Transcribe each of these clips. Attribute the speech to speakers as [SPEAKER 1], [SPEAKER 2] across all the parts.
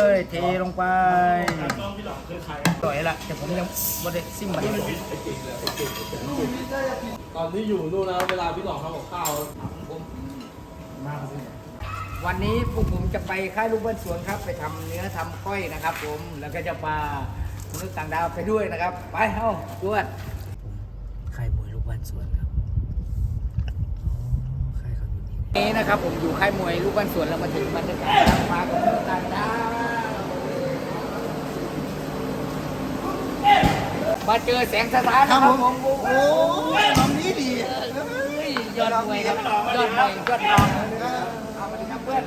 [SPEAKER 1] ยเทลงไปต่อยละแต่ผมยังไม่ได้ซิมมัน
[SPEAKER 2] ตอนที่อยู่นู่นนะเวลาพี่หลอกทำกับข้าว
[SPEAKER 1] วันนี้พวกผมจะไปค่ายลูกบ้านสวนครับไปทำเนื้อทำก้อยนะครับผมแล้วก็จะพามนุษย์ต่างดาวไปด้วยนะครับไปเอ้าด้วยค่ายมวยลูกบ้านสวนครับค่ายเขาอยู่นี่นะครับผมอยู่ค่ายมวยลูกบ้านสวนแล้วมาถึงบรรยากาศมากับมนุษย์ต่างดาวมาเจอแสงสะท้านนะครับผมโอ้ยทำนี้ดียอดมวยครับยอดมวยยอดทองเอามาดีครับเพื่อน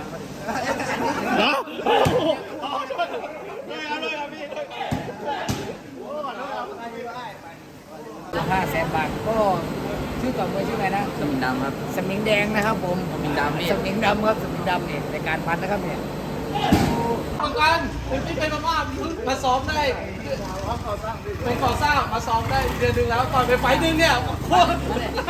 [SPEAKER 1] 500,000 บาทก็ชื่อต่อมวยชื่ออะไรนะสมิงดำครับสมิงแดงนะครับผมสมิงดำนี่สมิงดำครับสมิงดำเนี่ยในการพันนะครับเนี่ย
[SPEAKER 2] เหมือนกันคุณที่เป็นมามาซ้อมได้เป็นก่อสร้างมาซ้อมได้เดือนหนึ่งแล้วก่อนไปไฟนึงเนี่ยโคตร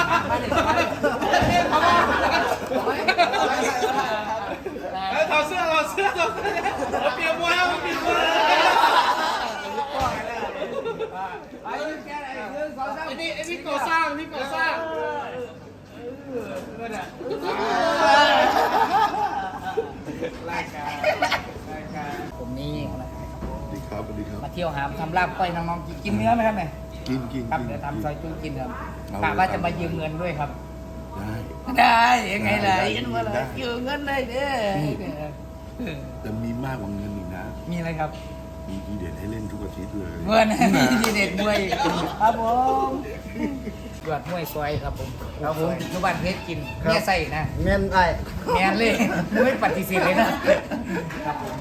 [SPEAKER 2] ถอดเสื้อเปลี่ยนมวยแล้วเปลี่ยนมวยไอ้นี่ก่อสร้าง
[SPEAKER 1] ผมนี่
[SPEAKER 3] สวัสดีครับ
[SPEAKER 1] มาเที่ยวหามทำลาบก้อยน้องๆกินเนื้อไหมครับเนี่ย
[SPEAKER 3] กิน
[SPEAKER 1] ครับเดี๋ยวทำซอยจุ้งกินครับกะว่าจะมายืมเงินด้วยครับ
[SPEAKER 3] ได้
[SPEAKER 1] ยังไงล่ะยืมเงินเลยยืมเงินได้เด้อ
[SPEAKER 3] แต่มีมากกว่าเงินอีกนะ
[SPEAKER 1] มีอะไรครับ
[SPEAKER 3] มีทีเด็ดให้เล่นทุกอาทิตย์เลย
[SPEAKER 1] เงินมีทีเด็ดมวยครับผมยอดมวยซอยครับผมครับผมทุกบ้านเพชรกินแม่ใส่นะ
[SPEAKER 4] แม่นไอ้
[SPEAKER 1] แม่เลยไม่ปฏิเสธเลยนะครับผม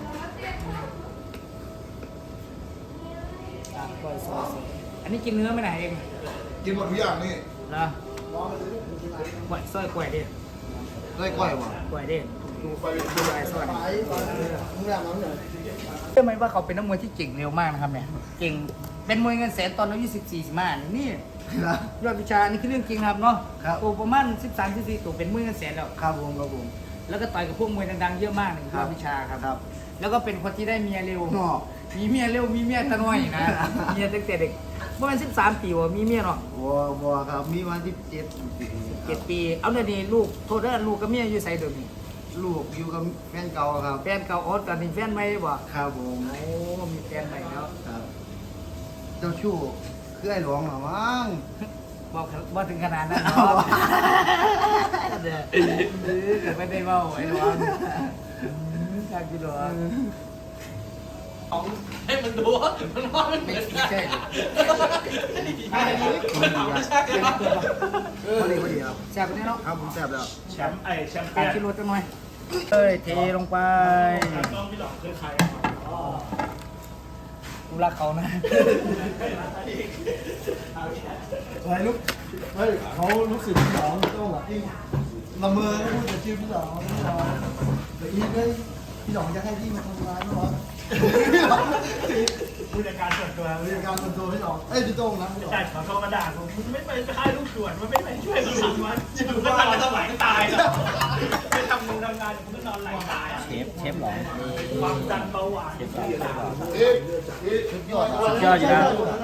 [SPEAKER 1] ก้อยซอยอันนี้กินเนื้อไม่ไหนเอง
[SPEAKER 4] กินหมดทุกอย่างนี่
[SPEAKER 1] นะก้อยซอยก้อยเด็ด
[SPEAKER 4] ได้ก้อยวะ
[SPEAKER 1] ก้อยเด็ดดูก้อยซอย
[SPEAKER 4] มึงแบบนั้นเลย
[SPEAKER 1] เชื่อไหมว่าเขาเป็นนักมวยที่เก่งเร็วมากนะครับเนี่ยเก่งเป็นมวยเงินแสนตอนอายุ14-15นี่ยอดวิชานี่คือเรื่องจริงครับเนาะตัวประมาณ13-14ตัวเป็นมวยเงินแสนแล้ว
[SPEAKER 4] ครับผม
[SPEAKER 1] แล้วก็ต่อยกับพวกมวยดังๆเยอะมากยอดวิชาครับแล้วก็เป็นคนที่ได้เมียเร็วมีเมียเร็วมีเมียตะน้อยนะเมียตั้งแต่เด็กประมาณ13 ปีวะมีเมียเนาะ
[SPEAKER 4] บัวครับมีวัน
[SPEAKER 1] 17 ปีเอาเนี่ยนี่ลูกโทษนะลูกกับเมียอยู่ไสเดิมนี่
[SPEAKER 4] ลูกอยู่กับแฟนเก่าครับ
[SPEAKER 1] แฟนเก่าออสกันนี่แฟนใหม่บ่
[SPEAKER 4] ครับผม
[SPEAKER 1] โอ้มีแฟนใหม่แล้ว
[SPEAKER 4] ครับเจ้าชู้คือไอ้หลวงหรอมั้ง
[SPEAKER 1] บอกถึงขนาดนั้นเนาะเด้อไม่ได้เว้าไอ้หลวงครับพี่หลวง
[SPEAKER 2] ให้มันดูมันว่ามันไม่ใช่
[SPEAKER 4] พอดีครับ
[SPEAKER 1] แซ่บนี่เนาะ
[SPEAKER 4] ครับผมแซ่บแล้ว
[SPEAKER 2] แชมป์เปี้ยน
[SPEAKER 1] กินรสจังหน่อยเทลงไป
[SPEAKER 2] พี่หลอกคือใคร
[SPEAKER 1] กูรักเขานะ
[SPEAKER 4] อะไรลูกเฮ้ยเขารู้สึกพี่หลองต้องแบบที่ละเมอพูดแต่ชื่อพี่หลองแต่อีกเลยพี่หลองจะให้พี่มาทำร้ายไม่หรอ
[SPEAKER 2] ผู้จัดการส่วนตัว
[SPEAKER 4] พี่หลองพี่โต้งนะ
[SPEAKER 2] ใช่ขอโทษมาด่าผมไม่ไปค่ายลูกสวนมันไม่ไปช่วยมันทำมันอยู่ก็นอนสมัยตายแล้วไปทำงานผมก็นอนไหลตาย
[SPEAKER 1] เชฟหรอ
[SPEAKER 2] ความดันเบาหวาน
[SPEAKER 4] สุดยอด
[SPEAKER 1] อยู่นะ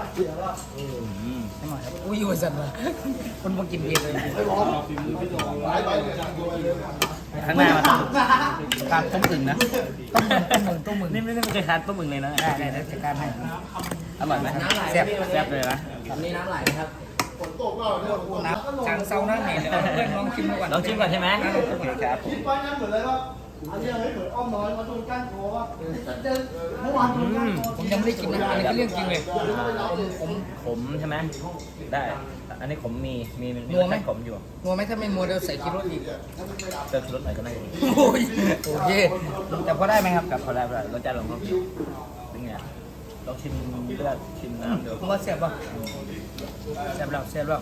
[SPEAKER 1] อุ้ยวันสันวะคนมากินเบียร์เลยข้างหน้ามันขาดต้มอึ่งนะต้มอึ่งนี่ไม่เคยทานต้มอึ่งเลยนะได้จัดการให้อร่อยไหมแซ่บเลยนะนี่น้ำไหลครับน้ำจางเซานะเนี่ยลองชิมก่อนใช่ไหมโอเคครับ
[SPEAKER 4] คิดไว้นั้นเหมือนเลยว่าอันนี้เหมือนอ้อมน้อยมาโดนก้านคอว่าเมื่อวาน
[SPEAKER 1] ผมยังไม่ได้กินนะอันนี้ก็เรื่องจริงเลย
[SPEAKER 5] ขมใช่ไหมได้อันนี้ขมมี
[SPEAKER 1] นัวไหม
[SPEAKER 5] ขมอยู่
[SPEAKER 1] นัวไหมถ้าไม่นัวเดี๋ยวใส่กิโลอีก
[SPEAKER 5] เติมรสหน่อยก็ได้
[SPEAKER 1] โอเคแต่พอได้ไหมครับ
[SPEAKER 5] กับพอได้รสชาติของเขาเป็นไงลองชิมเลือดชิมน้ำเดี๋ยว
[SPEAKER 1] ผมว่าแซ่บป่ะแซ่บแล้ว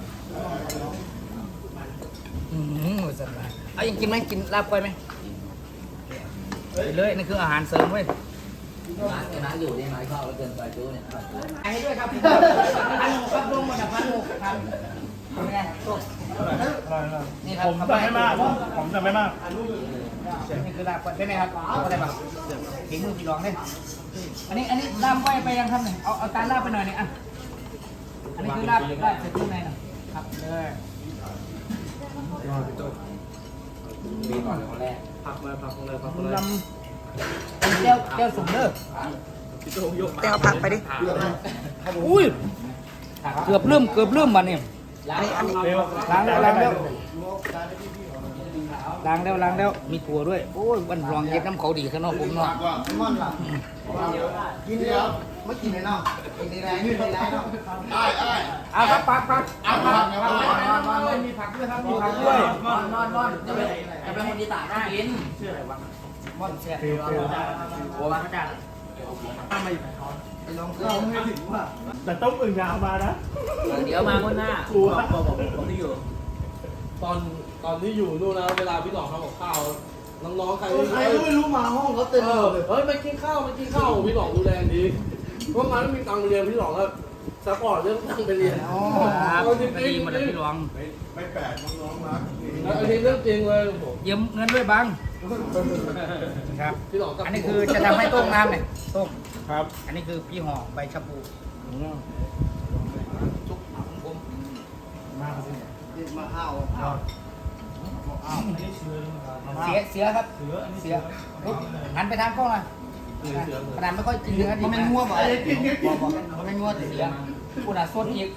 [SPEAKER 1] สัตว์เอายังกินไหมกินลาบก้อยไหมไปเลยนี่คืออาหารเสริมเว้ยน้าอยู่นี่น้าเข้าแล้วเกินไปจู้เนี่ยให้ด้วยครับครับรวมหมดพันหกครับเป็นไงนี่ครับ
[SPEAKER 2] ผมจะไม่มาก
[SPEAKER 1] นี่คือลาบใช่ไหมครับก็ได้แบบฝีมือพี่รองเนี่ยอันนี้ลาบไว้ไปยังครับเนี่ยเอาการลาบไปหน่อยเนี่ยอ่ะอันนี้คือลาบเสร็จข้างในนะครับเลยมีก่อนเลยคนแรก
[SPEAKER 2] พักเลยพักเลย
[SPEAKER 1] คุณลำเจ้าสุ่มเด้อ
[SPEAKER 6] แต่เอาผักไปดิ
[SPEAKER 1] อุ้ยเกือบลืมมาเนี่ย
[SPEAKER 6] อันนี้
[SPEAKER 1] ล้างแล้วมีถั่วด้วยโอ้ยวันรองเย็ดน้ำเขาดีข้างนอกผมเนาะ
[SPEAKER 4] มันล่ะกินเดียวไม่กินเลยเนาะกินในแรงนี่ในแรงเนาะ
[SPEAKER 1] เอาครับปัก
[SPEAKER 2] มีผักด้วยครับมีผักด้วย
[SPEAKER 1] นอนจะเป็นคนที่ตากได้กินชื่ออะไรวะม่อนเสียโอ้มาพระเจ้า
[SPEAKER 4] ไอ้ลองเราไม่ถึงว่า
[SPEAKER 5] แต่ต้มอึ่งยาวมานะ
[SPEAKER 1] เดี๋ยวมาคนหน้า
[SPEAKER 2] ผมที่อยู่ตอนที่อยู่นู่นนะเวลาพี่หลอกทำกับข้าวน้องๆใคร
[SPEAKER 4] ใครก็ไม่รู้มาห้องเขาเต็มเลย
[SPEAKER 2] เฮ้ยไม่กินข้าวพี่หลอกดูแลดีเพราะงั้นมีตังค์เรียนพี่หลอกก็ซัพพอร์ตเรื่องตังค์ไปเรียน
[SPEAKER 1] ครับดีหมดเลยพี่รอง
[SPEAKER 3] ไม่แปลกน้องๆรัก
[SPEAKER 2] อันนี้เรื่องจริงเลยผม
[SPEAKER 1] ยืมเงินด้วยบังครับ
[SPEAKER 2] พี่หลอก
[SPEAKER 1] อันนี้คือจะทำให้ต้มน้ำเนี่ยต้ม
[SPEAKER 5] ครับ
[SPEAKER 1] อันนี้คือพี่ห่อใบชะพูชุบผม
[SPEAKER 4] มาข้าว
[SPEAKER 1] เสียครับเสียหันไปทางกล้องหน่อยขนาดไม่ค่อยกินเนื้อดิ
[SPEAKER 4] มัน
[SPEAKER 1] บ
[SPEAKER 4] ไม่
[SPEAKER 1] นะ
[SPEAKER 4] งัวบ่มันไม่งัว
[SPEAKER 1] เสียคุณอ่ะสดอีก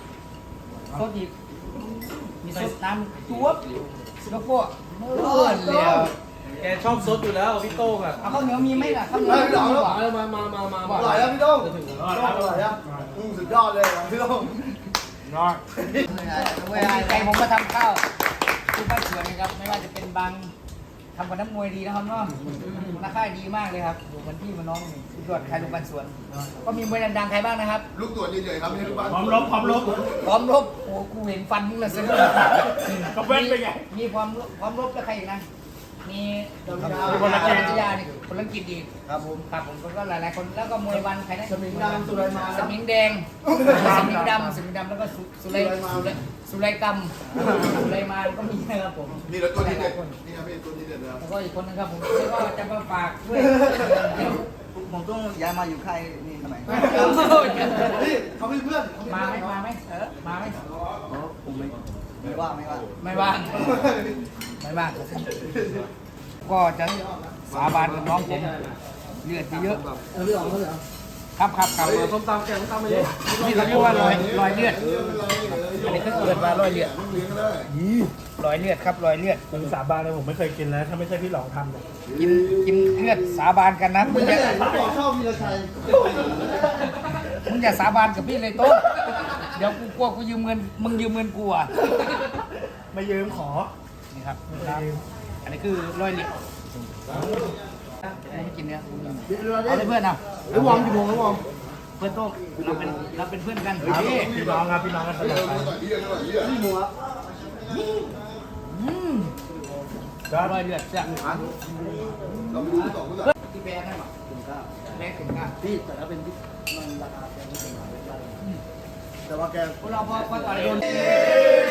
[SPEAKER 1] มีสดน้ำจุ๊บแล้วก็เลื่อนเลย
[SPEAKER 2] แกชอบซดอยู่แล้วพี่โต้งอ่ะ
[SPEAKER 1] เอาข้าวเหนียวมีไหมล่ะข้าวเหนียว
[SPEAKER 2] มา
[SPEAKER 4] อร่อยแล้วพี่โต้งอร่อยแล้วสุดยอดเลยพี่โต้ง
[SPEAKER 5] นอน
[SPEAKER 1] ใจผมมาทำข้าวทุกบ้านสวนนะครับไม่ว่าจะเป็นบางทำกับน้ำมวยดีนะครับเนาะราคาดีมากเลยครับดูมันที่มันน้องสุดยอดใครลูกบ้านสวน ก็มีมวยดังๆใครบ้างนะครับ
[SPEAKER 3] ลูกตัวนี้เลยครับไม่ใช่ลูกบ้าน
[SPEAKER 5] พร้อมลบ
[SPEAKER 1] พร้อมรบโอ้กูเห็นฟันมึงละเสือ
[SPEAKER 5] ก็เว้นไปไง
[SPEAKER 1] มีพร้อมรบแล้วใครอีกนะมี
[SPEAKER 5] คนละเกม
[SPEAKER 1] ยาเนี่ยคนละกิจอีก
[SPEAKER 4] ครับผม
[SPEAKER 1] ครับผมก็หลายๆคนแล้วก็มวยวันใครนะ
[SPEAKER 4] สมิงดำสุไรมา
[SPEAKER 1] สมิงแดงสมิงดำแล้วก็สุไลกรรมสุไลมานก็มีนะครับผม
[SPEAKER 3] นี่แล้วตัวนี้เด็ดนี่ครับพี่ตัวนี้เด็ดนะครับ
[SPEAKER 1] แล้วก็อีกคนนึงครับผมก็จะมาฝากด้วย
[SPEAKER 4] ผมต้องย้ายมาอยู่ค่ายนี่ทำไม
[SPEAKER 1] นี่
[SPEAKER 4] เขาเป็นเพื่อน
[SPEAKER 1] มาไหมมาไหมมาไหม
[SPEAKER 4] ผมไม่ว่า
[SPEAKER 1] ไม่ว่างก็จะสาบานกับน้องผมเลือดเยอะ
[SPEAKER 4] พี่อ๋องเขาเหรอ
[SPEAKER 1] ครับ
[SPEAKER 2] ส้มตำแกงส้มตำมาเยอะ
[SPEAKER 1] นี่เขาเรียกว่ารอยเลือดอันนี้ก็เกิดมารอยเลือดรอยเลือดครับรอยเลือด
[SPEAKER 5] ผมสาบานเลยผมไม่เคยกินแล้วถ้าไม่ใช่พี่หลองทำเนี่ย
[SPEAKER 1] กินเลือดสาบานกันนะมึง
[SPEAKER 4] ไม่
[SPEAKER 1] อย่า
[SPEAKER 4] ใช่ผมบอกชอบวีรชัย
[SPEAKER 1] สาบานกับพี่เลยโต๊ะเดี๋ยวกูกลัวกูยืมเงินมึงยืมเงินกูอ่ะ
[SPEAKER 5] ไม่ยืมขอ
[SPEAKER 1] นี่ครับอันนี้คือรอยเลือดให้กินเนื้อเอาเลยเพื่อนเอา
[SPEAKER 4] ไอ้วอมกี่โมงแล้ววอม
[SPEAKER 1] เพื่อนโต๊ะเราเป็นเพื่อนกัน
[SPEAKER 5] พี่น้องครับพี่น้องกันตลอดไป
[SPEAKER 4] นี่หมูอ่ะ
[SPEAKER 1] รอยเลือดจ้ะ
[SPEAKER 3] เราไม่รู้ต่อเมื่อไหร่
[SPEAKER 1] ที่แบงค์นั่นหรอแบงค์ถึงก้า
[SPEAKER 4] พี่แต่ถ้าเป็นที่มันราคาแพงไม่ถึงแต่ว่าแก
[SPEAKER 1] พวกเราพอต่อยโดน